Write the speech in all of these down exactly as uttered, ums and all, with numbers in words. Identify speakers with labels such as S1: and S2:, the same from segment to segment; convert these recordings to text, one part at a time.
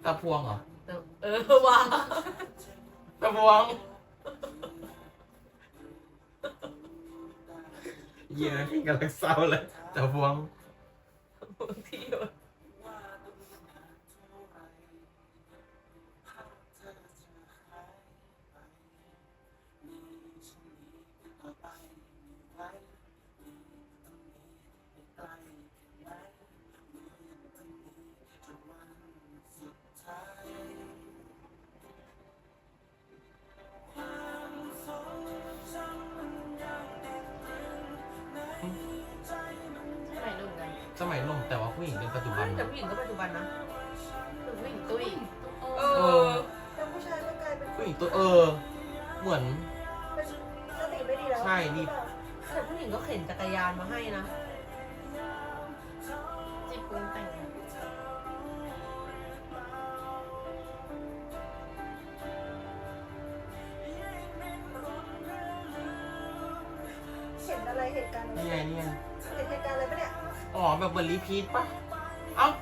S1: ตาพวงเหรอ
S2: เออว่ะ
S1: ตาพวงเยี่ยพี่กำลังเศร้าเลยตาพวง
S2: ที่อยู่
S1: สมัยหนุ่มแต่ว่าผู้หญิงเป็นปัจจุบัน
S2: แต่ผู้หญิงก็ปัจจุบันนะคือผู้หญิงตุ้ยเออแต่ผู้ชายก็กลายเป็น
S1: ผู้หญิงตัวเออเหมือน
S2: สติไม่ดีแล้ว
S1: ใช่นี่
S2: แต่ผู้หญิงก็เข็นจักรยานมาให้นะจิบปรุงแต่งเห็นอะไรเหตุการณ์
S1: นี่ไงนี่ไง
S2: เห็นเหตุการณ์อะไรปะเนี่ย
S1: อ๋อแบบเหมือนรีพีทปะเอ้า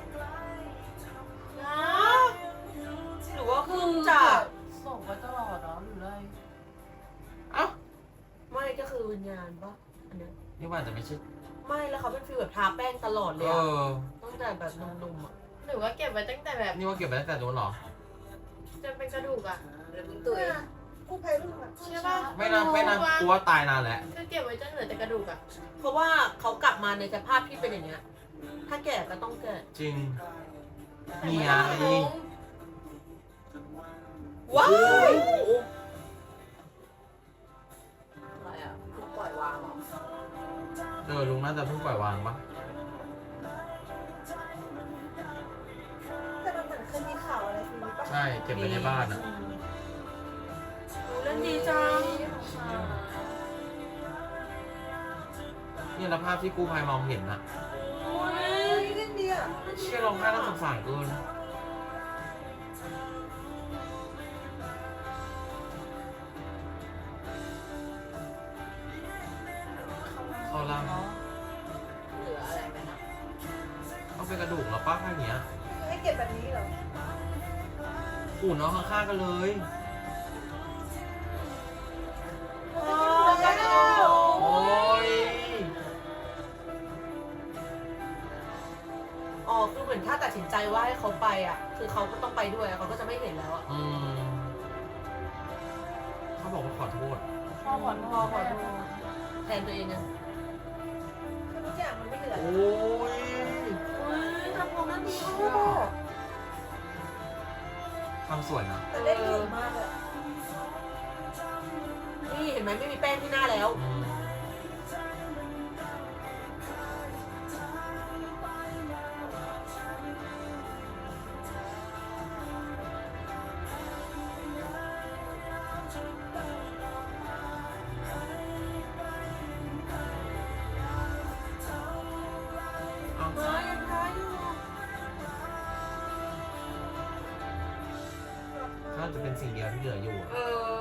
S2: หรือว่าคือจาก
S3: ส่งไปตลอดเนาะหรืออะไร
S1: เอ้า
S2: ไม่ก็คือวิญญาณปะอันนี้
S1: นี่ว่าจะไม่ใช่
S2: ไม่แล้วเขาเป็นฟีลแบบทาแป้งตลอดเลยอะตั้งแต่แบบนุ่มๆอ่ะ
S3: หรือว่าเก็บไว้ตั้งแต่แบบ
S1: นี่ว่าเก็บไว้ตั้งแต่โน้นหรอ
S3: จนเป็นกระดูกอ่ะ
S2: หรือมึงตุ๋ยกู้ภัยรุ่นอ่ะ
S3: ใช่ป่ะ
S1: ไม่นานไม่นานกลัวตายนานแล้ว
S3: ก็เก็บไว้จนเหลือแต่กระดูกอ่ะ
S2: เพราะว่าเขากลับมาในสภาพที่เป็นอย่างเงี้ยถ้าแก่ก็ต้องแก่
S1: จริงนี่อ่ะนี่
S2: ว้าว
S3: อะไรอ่ะปล่อยวางหรอ
S1: เออลุงน่าจะเพิ่งปล่อยวางปะ
S2: แต่มันเหมือนเคยมีข่าวอะไรทีนี้ปะ
S1: ใช่เก็บไว้ในบ้านอ่ะ
S2: เล่นดีจัง
S1: นี่แล้วภาพที่กู้ภัยมองเห็นนะ
S2: โอ้ยเล่นดีอ่ะ
S1: เชื่อร้องไห้น่าสงสารเกินเขาลัง
S3: เหลืออะไรไหมนะ
S1: เขาเป็นกระดูกแล้วป้าข้างเนี้ย
S2: ให้เก็บแบบนี้เหรอ
S1: อู่น้องข้างๆกันเลยโอ้ย
S2: อ๋อคือเหมือนถ้าตัดสินใจว่าให้เขาไปอ่ะคือเขาก็ต้องไปด้วยเขาก็จะไม่เห็นแล้วอ่ะ
S1: อืมเขาบอกว่าขอโทษ
S3: พ่อขอโทษขอโทษ
S2: แทนตัวเองอ่ะคือทุกอย่างมันไม่เหลือ
S1: โอ้ย
S2: โอ้ยทำของนั้นดีมาก
S1: ทำสวยนะ
S2: แต่เล่นดีมากเลยนี่เห็นไหมไม่มีแป้งที่หน้าแล้วมายังท้ายอยู่
S1: น่าจะเป็นสิ่งเดียวที่เหลืออยู่
S2: เออ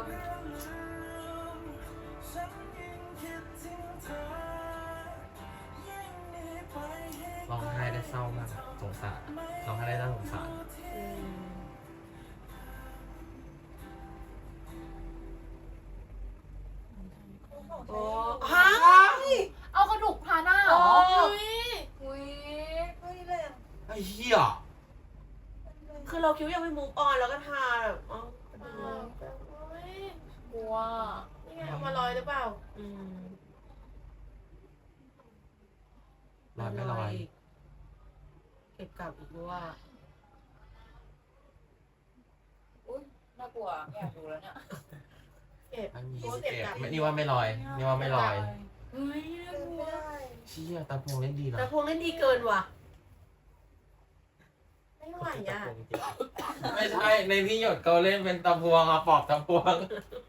S1: ร้องไห้ได้เศร้ามากสงสารร้องไห้ได้น่าสงสาร
S2: โอ้ฮะ
S3: เอากระดูกพาหน้าเหรอ
S2: อุ้ยอุ้ยแรง
S1: ไอ้เหี้ย
S2: คือเราคิดว่ายังไม่มูฟออนแล้วก็ทาแบบอ๋อ
S3: กลัวนี่ไงเอามาลอยหรือเปล่า
S2: อืม
S1: ลอยไม่ลอย
S2: เก็บกลับอีกด้วย
S3: อุ้ยน่ากลัวอยากดูแล้วเนี่ย
S2: เก็บ
S1: ไม่มีเก็บนี่ว่าไม่ลอยนี่ว่าไม่ลอย
S2: เฮ้ยน่ากลัว
S1: เชี่ยตาพวงเล่นดีนะ
S2: ตาพวงเล่นดีเกินว่ะ
S3: ไม่ไหวอ่ะ
S1: ไม่ใช่ในพี่หยดเขาเล่นเป็นตาพวงอะปอบตาพวง